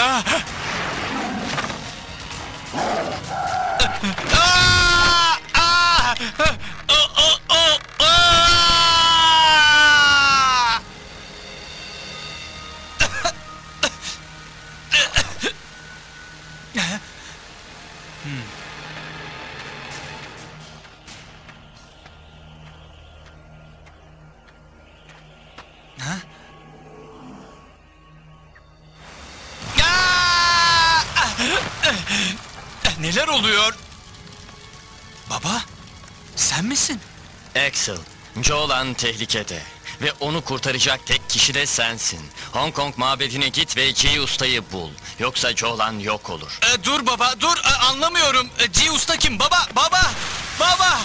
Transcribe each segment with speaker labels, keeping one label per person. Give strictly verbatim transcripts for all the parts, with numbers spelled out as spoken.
Speaker 1: Ah! Ah! Ah! Oh, oh, oh! Ah! Hmm. Ha? Ah! Neler oluyor? Baba, sen misin?
Speaker 2: Axel, Jolan tehlikede. Ve onu kurtaracak tek kişi de sensin. Hong Kong mabedine git ve G Usta'yı bul. Yoksa Jolan yok olur.
Speaker 1: Ee, dur baba, dur. Ee, anlamıyorum. Ee, G Usta kim? Baba, baba, baba!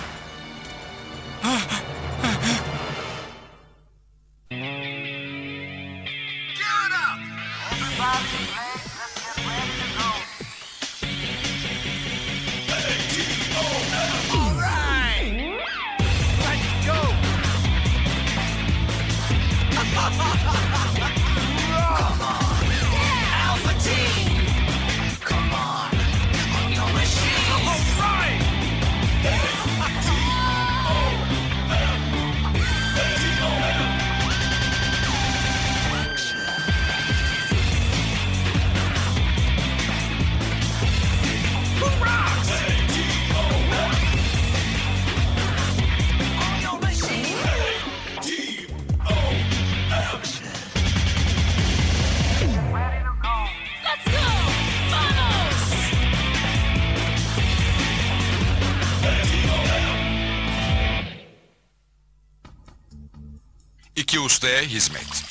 Speaker 3: İki ustaya hizmet.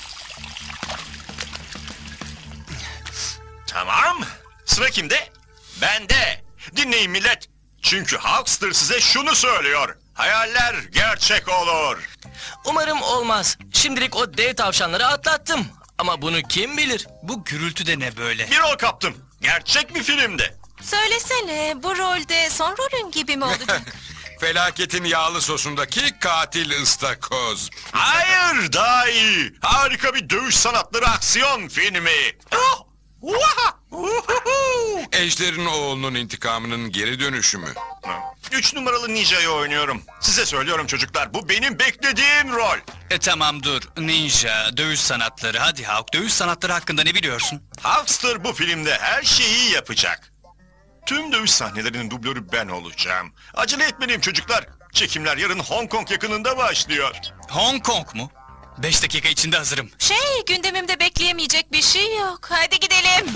Speaker 4: Tamam. Sıra kimde? Bende. Dinleyin millet. Çünkü Hulkster size şunu söylüyor. Hayaller gerçek olur.
Speaker 2: Umarım olmaz. Şimdilik o dev tavşanları atlattım. Ama bunu kim bilir?
Speaker 1: Bu gürültü de ne böyle?
Speaker 4: Bir rol kaptım. Gerçek bir filmde.
Speaker 5: Söylesene, bu rolde son rolün gibi mi olacak?
Speaker 3: Felaketin yağlı sosundaki katil ıstakoz.
Speaker 4: Hayır, daha iyi. Harika bir dövüş sanatları aksiyon filmi. Oh! Vaha! Uhuhu!
Speaker 3: Ejder'in oğlunun intikamının geri dönüşü mü?
Speaker 4: Üç numaralı ninjayı oynuyorum. Size söylüyorum çocuklar, bu benim beklediğim rol.
Speaker 1: E tamam dur. Ninja, dövüş sanatları. Hadi Hawk, dövüş sanatları hakkında ne biliyorsun?
Speaker 4: Hulkster bu filmde her şeyi yapacak. Tüm dövüş sahnelerinin dublörü ben olacağım. Acele etmeliyim çocuklar. Çekimler yarın Hong Kong yakınında başlıyor.
Speaker 1: Hong Kong mu? Beş dakika içinde hazırım.
Speaker 5: Şey, gündemimde bekleyemeyecek bir şey yok. Hadi gidelim.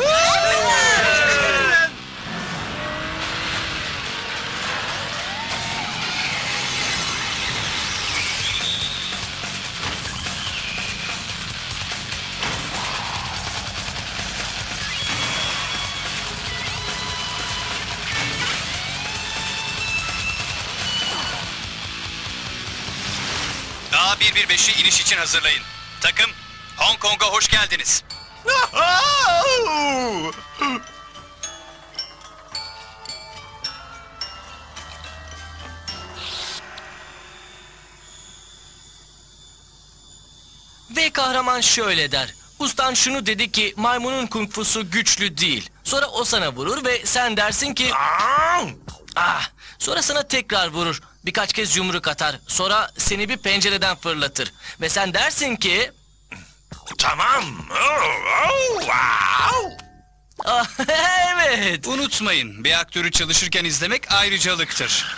Speaker 1: A bir bir beşi iniş için hazırlayın. Takım, Hong Kong'a hoş geldiniz.
Speaker 2: Ve kahraman şöyle der. Ustan şunu dedi ki maymunun kung fusu güçlü değil. Sonra o sana vurur ve sen dersin ki... Ah! Sonra sana tekrar vurur. Birkaç kez yumruk atar. Sonra seni bir pencereden fırlatır. Ve sen dersin ki...
Speaker 4: Tamam. Oh, oh, wow.
Speaker 2: Ah, evet.
Speaker 1: Unutmayın, bir aktörü çalışırken izlemek ayrıcalıktır.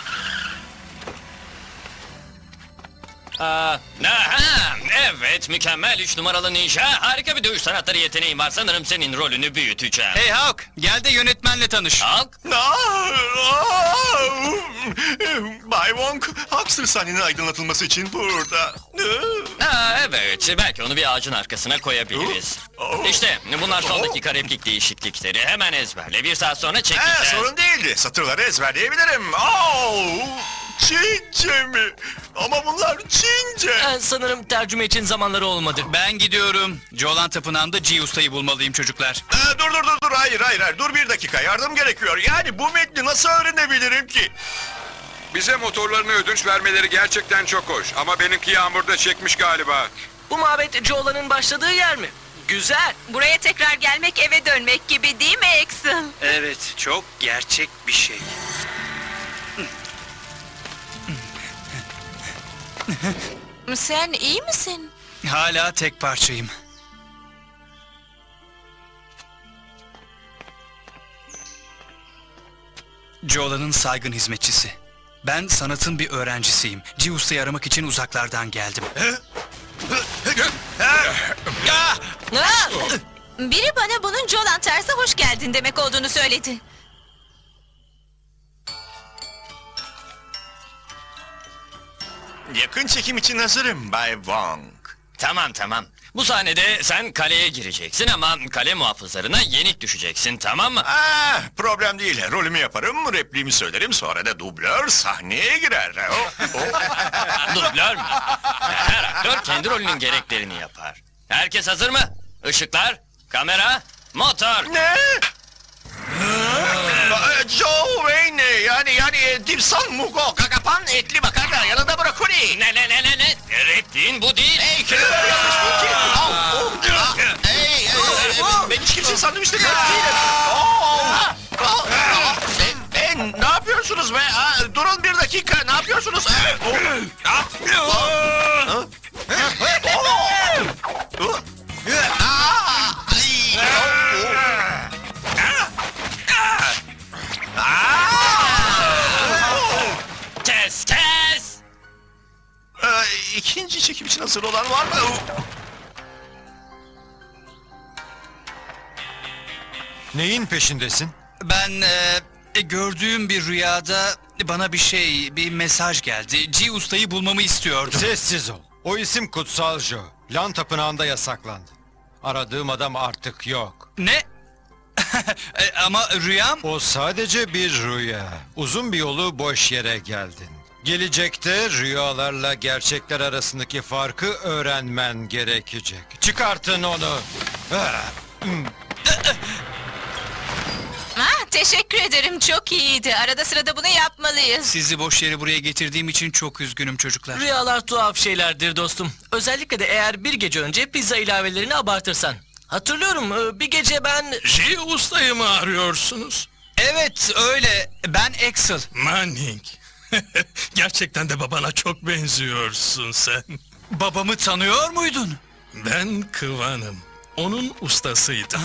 Speaker 2: Aa, aha, evet, mükemmel üç numaralı ninja. Harika bir dövüş sanatları yeteneğin var. Sanırım senin rolünü büyüteceğim.
Speaker 1: Hey Hawk, gel de yönetmenle tanış.
Speaker 2: Halk,
Speaker 4: Ah, ah. Bay Wong, Hulkster sahnenin aydınlatılması için burada.
Speaker 2: ha, evet, belki onu bir ağacın arkasına koyabiliriz.
Speaker 4: Oh.
Speaker 2: İşte bunlar son
Speaker 4: Oh.
Speaker 2: dakika replik değişiklikleri. Hemen ezberle. Bir saat sonra
Speaker 4: He,
Speaker 2: çekeceğiz.
Speaker 4: sorun değildi. Satırları ezberleyebilirim. Oh, Çince mi? Ama bunlar Çince.
Speaker 2: Ha, sanırım tercüme için zamanları olmadı.
Speaker 1: Ben gidiyorum. Jolan Tapınağı'nda G Usta'yı bulmalıyım çocuklar.
Speaker 4: Ee, dur dur dur dur hayır hayır hayır dur bir dakika yardım gerekiyor. Yani bu metni nasıl öğrenebilirim ki?
Speaker 3: Bize motorlarını ödünç vermeleri gerçekten çok hoş. Ama benimki yağmurda çekmiş galiba.
Speaker 2: Bu mabet Jolan'ın başladığı yer mi? Güzel.
Speaker 5: Buraya tekrar gelmek eve dönmek gibi değil mi Axel?
Speaker 1: Evet, çok gerçek bir şey.
Speaker 5: Sen iyi misin?
Speaker 1: Hala tek parçayım. Joel'ın saygın hizmetçisi. Ben sanatın bir öğrencisiyim. G Usta'yı aramak için uzaklardan geldim.
Speaker 2: Ah!
Speaker 5: Aa! Biri bana bunun Jolan Ters'e hoş geldin demek olduğunu söyledi.
Speaker 4: Yakın çekim için hazırım Bay Wong.
Speaker 6: Tamam tamam. Bu sahnede sen kaleye gireceksin ama kale muhafızlarına yenik düşeceksin, tamam mı?
Speaker 4: Ah, problem değil. Rolümü yaparım, repliğimi söylerim, sonra da dublör sahneye girer. Oh, oh.
Speaker 6: Dublör mü? Her aktör kendi rolünün gereklerini yapar. Herkes hazır mı? Işıklar, kamera, motor.
Speaker 4: Ne? Aa, Joe Wayne yani yani e, Dipsan Mugo Kakapan etli makarna yanında brokoli.
Speaker 6: Ne ne ne ne ne? Repliğin bu değil.
Speaker 4: Hey kelimeler yanlış değil ki. Au, au, ah, Hey, hey, hey, hey, ben hiç kimseyi sandviçte gördüm değilim. Oh, oh, oh. E, e, ne yapıyorsunuz be? Aa, durun bir dakika, ne yapıyorsunuz? E, oh, ah, oh, oh, oh, ah, ay, oh, oh.
Speaker 6: Kes kes.
Speaker 4: Ee, ikinci çekim için hazır olan var mı?
Speaker 7: Neyin peşindesin?
Speaker 1: Ben e, gördüğüm bir rüyada bana bir şey, bir mesaj geldi. G Usta'yı bulmamı istiyordum.
Speaker 7: Sessiz ol. O isim Kutsal Joe. Lan tapınağında yasaklandı. Aradığım adam artık yok.
Speaker 1: Ne? E, ama rüyam...
Speaker 7: O sadece bir rüya. Uzun bir yolu boş yere geldin. Gelecekte rüyalarla gerçekler arasındaki farkı öğrenmen gerekecek. Çıkartın onu. Ah,
Speaker 5: Ah, teşekkür ederim, çok iyiydi. Arada sırada bunu yapmalıyız.
Speaker 1: Sizi boş yere buraya getirdiğim için çok üzgünüm çocuklar.
Speaker 2: Rüyalar tuhaf şeylerdir dostum. Özellikle de eğer bir gece önce pizza ilavelerini abartırsan. Hatırlıyorum e, bir gece ben...
Speaker 8: J Usta'yı mı arıyorsunuz?
Speaker 1: Evet, öyle. Ben Axel.
Speaker 8: Manning. Gerçekten de babana çok benziyorsun sen.
Speaker 1: Babamı tanıyor muydun?
Speaker 8: Ben Kıvan'ım. Onun ustasıydım.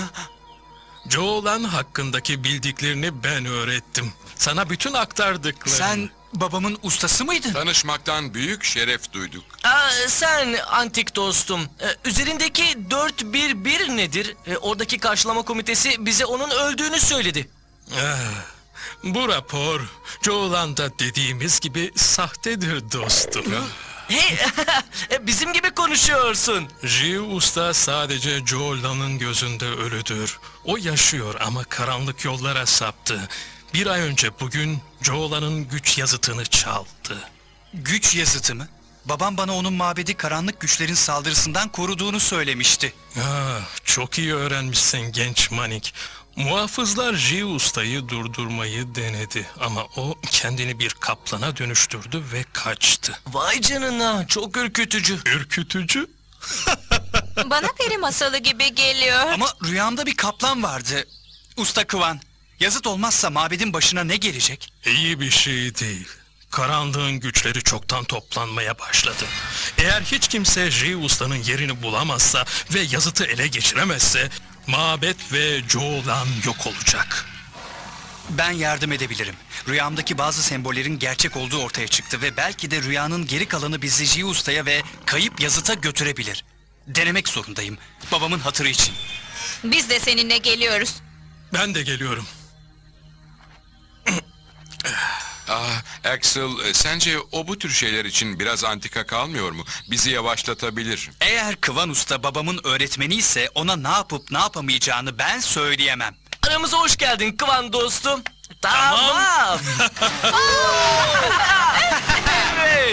Speaker 8: Joe'lan hakkındaki bildiklerini ben öğrettim. Sana bütün aktardıklarını.
Speaker 1: Sen babamın ustası mıydın?
Speaker 3: Tanışmaktan büyük şeref duyduk.
Speaker 2: Aa, sen antik dostum. E, üzerindeki dört bir bir nedir? E, oradaki karşılama komitesi bize onun öldüğünü söyledi.
Speaker 8: Ah, bu rapor Joe'landa dediğimiz gibi sahtedir dostum.
Speaker 2: Hey, e, bizim gibi konuşuyorsun.
Speaker 8: J Usta sadece Joe'lanın gözünde ölüdür. O yaşıyor ama karanlık yollara saptı. Bir ay önce bugün Joe'lanın güç yazıtını çaldı.
Speaker 1: Güç yazıtı mı? Babam bana onun mabedi karanlık güçlerin saldırısından koruduğunu söylemişti.
Speaker 8: Ah, çok iyi öğrenmişsin genç Manik. Muhafızlar J Usta'yı durdurmayı denedi ama o kendini bir kaplana dönüştürdü ve kaçtı.
Speaker 2: Vay canına, çok ürkütücü.
Speaker 8: Ürkütücü?
Speaker 5: Bana peri masalı gibi geliyor.
Speaker 1: Ama rüyamda bir kaplan vardı. Usta Kıvan. Yazıt olmazsa mabedin başına ne gelecek?
Speaker 8: İyi bir şey değil. Karanlığın güçleri çoktan toplanmaya başladı. Eğer hiç kimse J Usta'nın yerini bulamazsa ve yazıtı ele geçiremezse mabet ve Joe'lan yok olacak.
Speaker 1: Ben yardım edebilirim. Rüyamdaki bazı sembollerin gerçek olduğu ortaya çıktı ve belki de rüyanın geri kalanı bizi J Usta'ya ve kayıp yazıta götürebilir. Denemek zorundayım. Babamın hatırı için.
Speaker 5: Biz de seninle geliyoruz.
Speaker 8: Ben de geliyorum.
Speaker 3: Ah, Axel, e, sence o bu tür şeyler için biraz antika kalmıyor mu? Bizi yavaşlatabilir.
Speaker 1: Eğer Kıvan Usta babamın öğretmeni ise ona ne yapıp ne yapamayacağını ben söyleyemem.
Speaker 2: Aramıza hoş geldin Kıvan dostum. Tamam. Evet.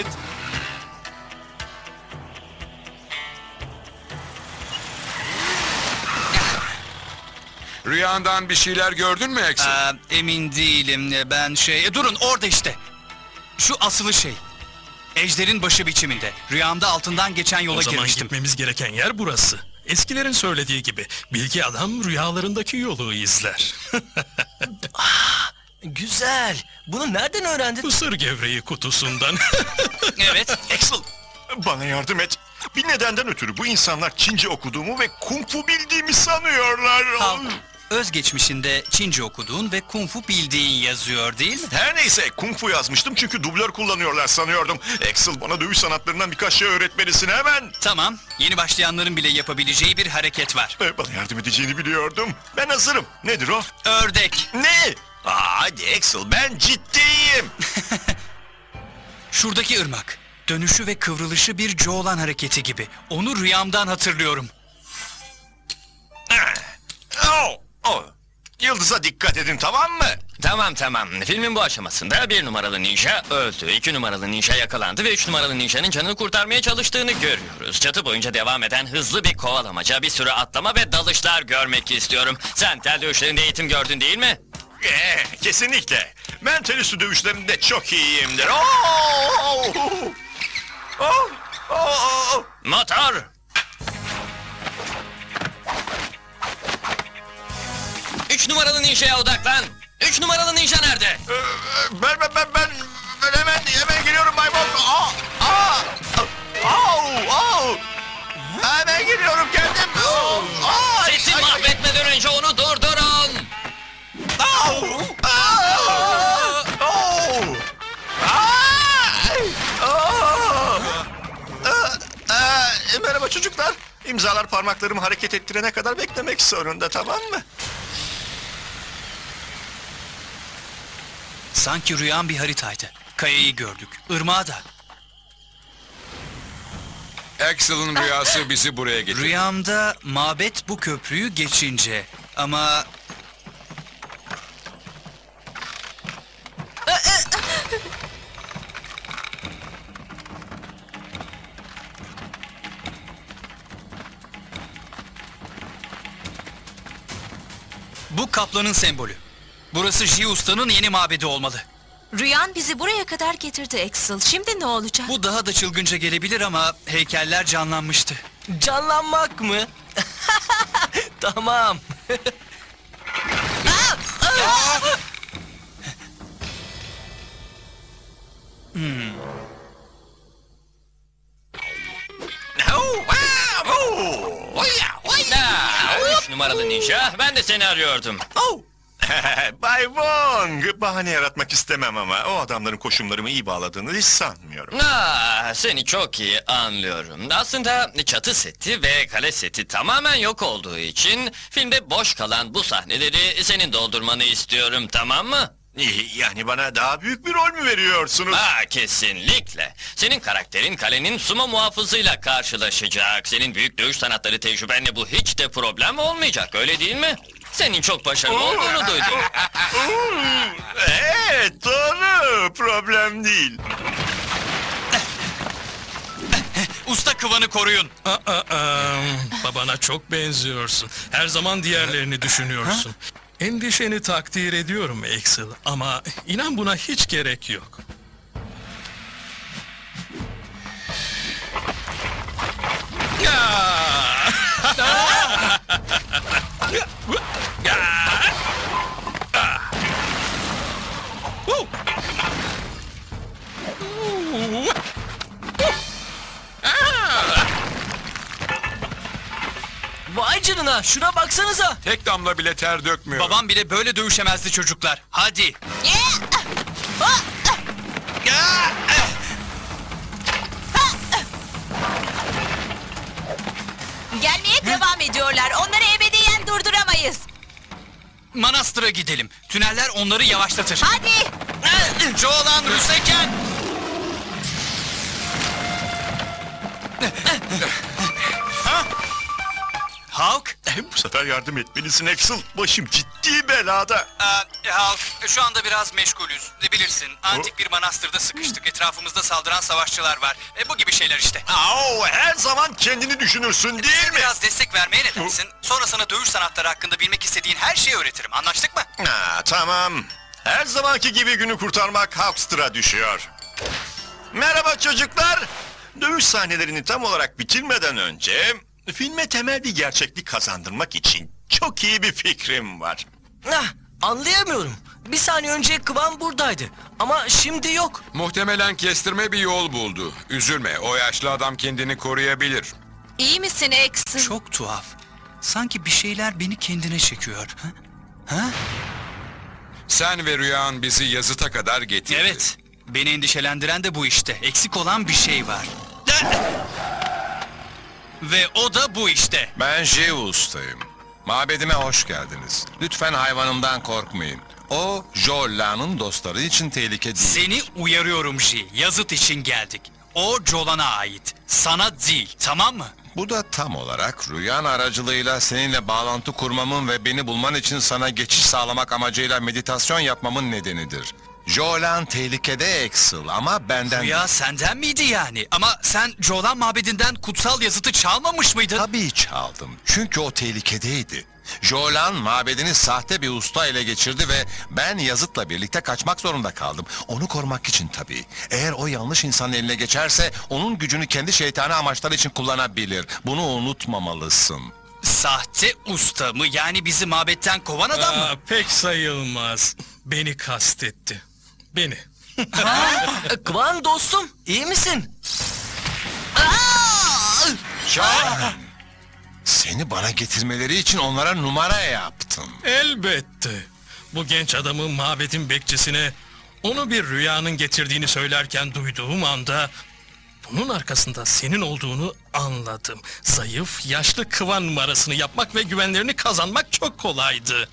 Speaker 3: Rüyandan bir şeyler gördün mü Axel?
Speaker 1: Ee, emin değilim. Ben şey... E, durun orada işte. Şu asılı şey. Ejderin başı biçiminde. Rüyamda altından geçen yola
Speaker 8: O zaman
Speaker 1: girmiştim.
Speaker 8: gitmemiz gereken yer burası. Eskilerin söylediği gibi bilgi adam rüyalarındaki yolu izler.
Speaker 2: Güzel. Bunu nereden öğrendin?
Speaker 8: Mısır gevreği kutusundan.
Speaker 1: Evet.
Speaker 4: Axel, bana yardım et. Bir nedenden ötürü bu insanlar Çince okuduğumu ve Kung Fu bildiğimi sanıyorlar.
Speaker 1: Al. Özgeçmişinde Çince okuduğun ve Kung Fu bildiğin yazıyor değil mi?
Speaker 4: Her neyse Kung Fu yazmıştım çünkü dublör kullanıyorlar sanıyordum. Axel, bana dövüş sanatlarından birkaç şey öğretmelisin hemen.
Speaker 1: Tamam. Yeni başlayanların bile yapabileceği bir hareket var.
Speaker 4: Ee, Bana yardım edeceğini biliyordum. Ben hazırım. Nedir o?
Speaker 1: Ördek.
Speaker 4: Ne? Aa, hadi Axel, ben ciddiyim.
Speaker 1: Şuradaki ırmak. Dönüşü ve kıvrılışı bir Jolan hareketi gibi. Onu rüyamdan hatırlıyorum.
Speaker 4: Oh, oh. Yıldız'a dikkat edin, tamam mı?
Speaker 6: Tamam tamam. Filmin bu aşamasında bir numaralı ninja öldü. iki numaralı ninja yakalandı ve üç numaralı ninjanın canını kurtarmaya çalıştığını görüyoruz. Çatı boyunca devam eden hızlı bir kovalamaca, bir sürü atlama ve dalışlar görmek istiyorum. Sen tel dövüşlerinde eğitim gördün değil mi?
Speaker 4: Ee, kesinlikle. Ben tel üstü dövüşlerinde çok iyiyimdir. Oh! Oh! Oh! Oh!
Speaker 6: Motor! Üç numaralı ninjaya odaklan. Üç numaralı ninja nerede?
Speaker 4: Ee, Ben, ben, ben, ben, ben hemen, hemen geliyorum Bay Bok. Aa! Aa! Au! Au! Hemen geliyorum kendim. Oh! Aa!
Speaker 6: Sesi
Speaker 4: Ay, ay,
Speaker 6: mahvetmeden önce onu durdurun.
Speaker 4: au! Aa! Oh! Ay! Oh! Aa, aa, Merhaba çocuklar. İmzalar parmaklarımı hareket ettirene kadar beklemek zorunda, tamam mı?
Speaker 1: Sanki rüyam bir haritaydı. Kayayı gördük. Irmağı da.
Speaker 3: Axel'ın rüyası bizi buraya getirdi.
Speaker 1: Rüyamda mabet bu köprüyü geçince. Ama bu kaplanın sembolü. Burası Ji Usta'nın yeni mabedi olmalı.
Speaker 5: Rüyan bizi buraya kadar getirdi Axel. Şimdi ne olacak?
Speaker 1: Bu daha da çılgınca gelebilir ama heykeller canlanmıştı.
Speaker 2: Canlanmak mı? Tamam.
Speaker 4: Oh! Wow! Oh!
Speaker 6: Aa, üç numaralı ninja, ben de seni arıyordum.
Speaker 4: Oh! Bay Wong, bahane yaratmak istemem ama o adamların koşumlarımı iyi bağladığını hiç sanmıyorum.
Speaker 6: Aa, seni çok iyi anlıyorum. Aslında çatı seti ve kale seti tamamen yok olduğu için filmde boş kalan bu sahneleri senin doldurmanı istiyorum, tamam mı?
Speaker 4: İyi, yani bana daha büyük bir rol mü veriyorsunuz?
Speaker 6: Aa, kesinlikle. Senin karakterin kalenin sumo muhafızıyla karşılaşacak. Senin büyük dövüş sanatları tecrübenle bu hiç de problem olmayacak, öyle değil mi? Senin çok başarılı olduğunu duydum.
Speaker 4: Evet, doğru. Problem değil.
Speaker 1: Usta kıvanı koruyun.
Speaker 8: Aa, aa, babana çok benziyorsun. Her zaman diğerlerini düşünüyorsun. Endişeni takdir ediyorum Axel ama inan buna hiç gerek yok.
Speaker 2: Vay canına, şuna baksanıza.
Speaker 3: Tek damla bile ter dökmüyor.
Speaker 1: Babam bile böyle dövüşemezdi çocuklar. Hadi.
Speaker 5: Gelmeye devam ediyorlar. Onları ebediyen durduramayız.
Speaker 1: Manastır'a gidelim. Tüneller onları yavaşlatır.
Speaker 5: Hadi.
Speaker 1: Jolan Rüseken. Hulk?
Speaker 4: Bu sefer yardım etmelisin Axel. Başım ciddi belada.
Speaker 1: Ee, Hulk, şu anda biraz meşgulüz. Ne bilirsin, antik bir manastırda sıkıştık. Etrafımızda saldıran savaşçılar var. E, bu gibi şeyler işte.
Speaker 4: Au, her zaman kendini düşünürsün değil
Speaker 1: Bize
Speaker 4: mi?
Speaker 1: biraz destek vermeye ne dersin? Sonra sana dövüş sanatları hakkında bilmek istediğin her şeyi öğretirim. Anlaştık mı?
Speaker 4: Ha, tamam. Her zamanki gibi günü kurtarmak Hulkster'a düşüyor. Merhaba çocuklar. Dövüş sahnelerini tam olarak bitirmeden önce Filme temel bir gerçeklik kazandırmak için çok iyi bir fikrim var.
Speaker 2: Ah, anlayamıyorum. Bir saniye önce Kıvan buradaydı. Ama şimdi yok.
Speaker 3: Muhtemelen kestirme bir yol buldu. Üzülme, o yaşlı adam kendini koruyabilir.
Speaker 5: İyi misin Axel?
Speaker 1: Çok tuhaf. Sanki bir şeyler beni kendine çekiyor. Ha? Ha?
Speaker 3: Sen ve Rüyan bizi yazıta kadar getirdi.
Speaker 1: Evet. Beni endişelendiren de bu işte. Eksik olan bir şey var. Ve o da bu işte.
Speaker 9: Ben Jeus'tayım. Mabedime hoş geldiniz. Lütfen hayvanımdan korkmayın. O, Jolla'nın dostları için tehlike değil.
Speaker 1: Seni uyarıyorum J. Yazıt için geldik. O Jolan'a ait. Sana değil, tamam mı?
Speaker 9: Bu da tam olarak Rüyan aracılığıyla seninle bağlantı kurmamın ve beni bulman için sana geçiş sağlamak amacıyla meditasyon yapmamın nedenidir. Jolan tehlikede Axel ama benden...
Speaker 1: Rüya senden miydi yani? Ama sen Jolan mabedinden kutsal yazıtı çalmamış mıydın?
Speaker 9: Tabii çaldım. Çünkü o tehlikedeydi. Jolan mabedini sahte bir usta ele geçirdi ve ben Yazıt'la birlikte kaçmak zorunda kaldım. Onu korumak için tabii. Eğer o yanlış insanın eline geçerse onun gücünü kendi şeytani amaçları için kullanabilir. Bunu unutmamalısın.
Speaker 1: Sahte usta mı? Yani bizi mabetten kovan adam mı?
Speaker 8: Aa, pek sayılmaz. Beni kastetti. Beni.
Speaker 2: E, Kıvan dostum, iyi misin?
Speaker 9: Jolan! Seni bana getirmeleri için onlara numara yaptım.
Speaker 8: Elbette. Bu genç adamı mabedin bekçisine onu bir rüyanın getirdiğini söylerken duyduğum anda bunun arkasında senin olduğunu anladım. Zayıf, yaşlı Kıvan numarasını yapmak ve güvenlerini kazanmak çok kolaydı.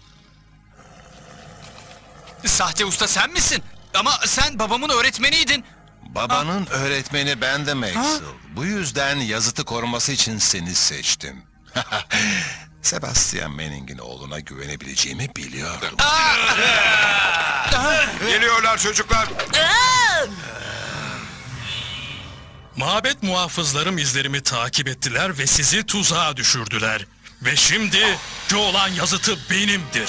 Speaker 1: Sahte usta sen misin? Ama sen babamın öğretmeniydin.
Speaker 9: Babanın öğretmeni bendim Axel. Bu yüzden Yazıt'ı koruması için seni seçtim. Sebastian Manning'in oğluna güvenebileceğimi biliyordum.
Speaker 3: Geliyorlar çocuklar.
Speaker 8: Mabet muhafızlarım izlerimi takip ettiler ve sizi tuzağa düşürdüler. Ve şimdi Jolan yazıtı benimdir.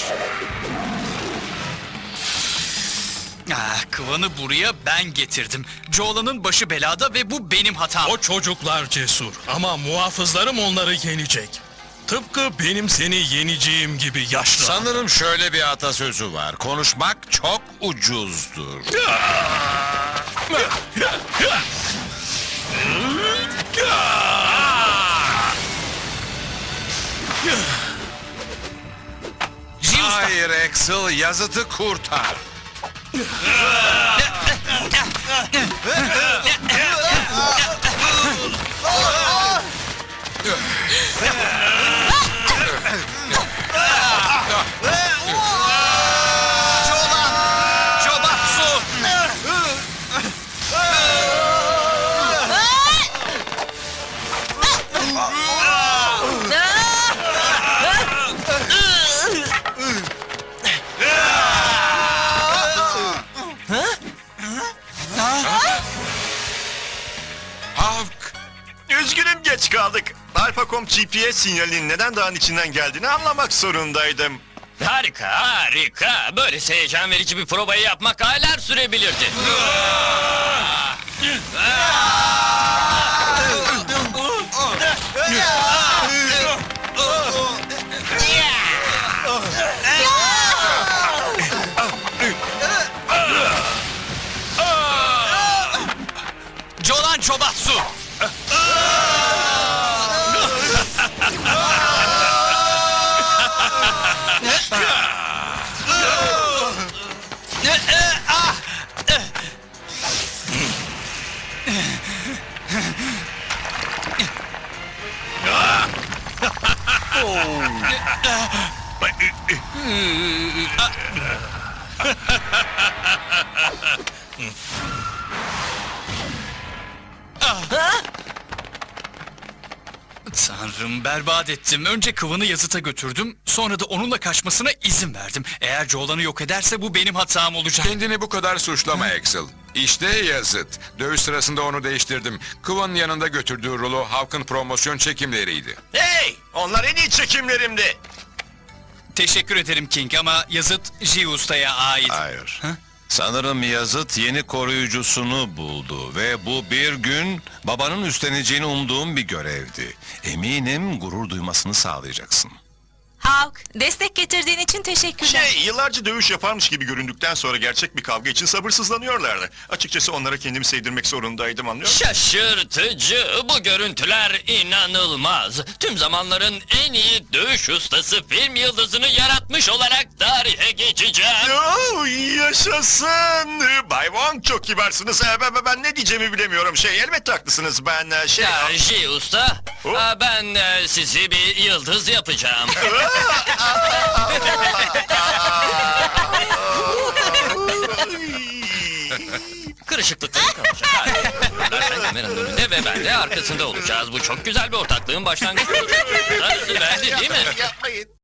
Speaker 1: Ah, Kıvan'ı buraya ben getirdim. Jolan'ın başı belada ve bu benim hatam.
Speaker 8: O çocuklar cesur ama muhafızlarım onları yenecek. Tıpkı benim seni yeneceğim gibi yaşlı.
Speaker 9: Sanırım şöyle bir atasözü var. Konuşmak çok ucuzdur.
Speaker 1: J usta.
Speaker 9: Hayır Axel, Yazıt'ı kurtar.
Speaker 1: Jobatsu.
Speaker 3: Havk!
Speaker 4: Üzgünüm geç kaldık. Alpacom G P S sinyalinin neden dağın içinden geldiğini anlamak zorundaydım.
Speaker 6: Harika, harika. Böylesi heyecan verici bir probayı yapmak aylar sürebilirdi.
Speaker 1: Jolan Çobatsu. Tanrım, berbat ettim. Önce Kıvan'ı Yazıt'a götürdüm. Sonra da onunla kaçmasına izin verdim. Eğer Jolan'ı yok ederse bu benim hatam olacak.
Speaker 3: Kendini bu kadar suçlama Axel. İşte Yazıt. Dövüş sırasında onu değiştirdim. Kıvan'ın yanında götürdüğü rulo Havk'ın promosyon çekimleriydi.
Speaker 4: Hey! Onlar en iyi çekimlerimdi.
Speaker 1: Teşekkür ederim King ama Yazıt J Usta'ya ait.
Speaker 9: Hayır.
Speaker 1: Ha?
Speaker 9: Sanırım Yazıt yeni koruyucusunu buldu ve bu bir gün babanın üstleneceğini umduğum bir görevdi. Eminim gurur duymasını sağlayacaksın.
Speaker 5: Hawk, destek getirdiğin için teşekkürler.
Speaker 10: Şey, yıllarca dövüş yaparmış gibi göründükten sonra gerçek bir kavga için sabırsızlanıyorlardı. Açıkçası onlara kendimi sevdirmek zorundaydım, anlıyor musun?
Speaker 6: Şaşırtıcı. Bu görüntüler inanılmaz. Tüm zamanların en iyi dövüş ustası film yıldızını yaratmış olarak tarihe geçeceğim.
Speaker 10: Oo, yaşasın! Bay Wong, çok kibarsınız. Ee, Ben, ben- ben ne diyeceğimi bilemiyorum. Şey, elbette haklısınız. Ben e, şey...
Speaker 6: Ya J usta,
Speaker 10: Oh.
Speaker 6: aa, ben e, sizi bir yıldız yapacağım. Kırışıklıkları kalacak. Hayır. Sen kameranın önünde ve ben de arkasında olacağız. Bu çok güzel bir ortaklığın başlangıcı olacak. Darısı bende değil mi?
Speaker 4: Yapmayın.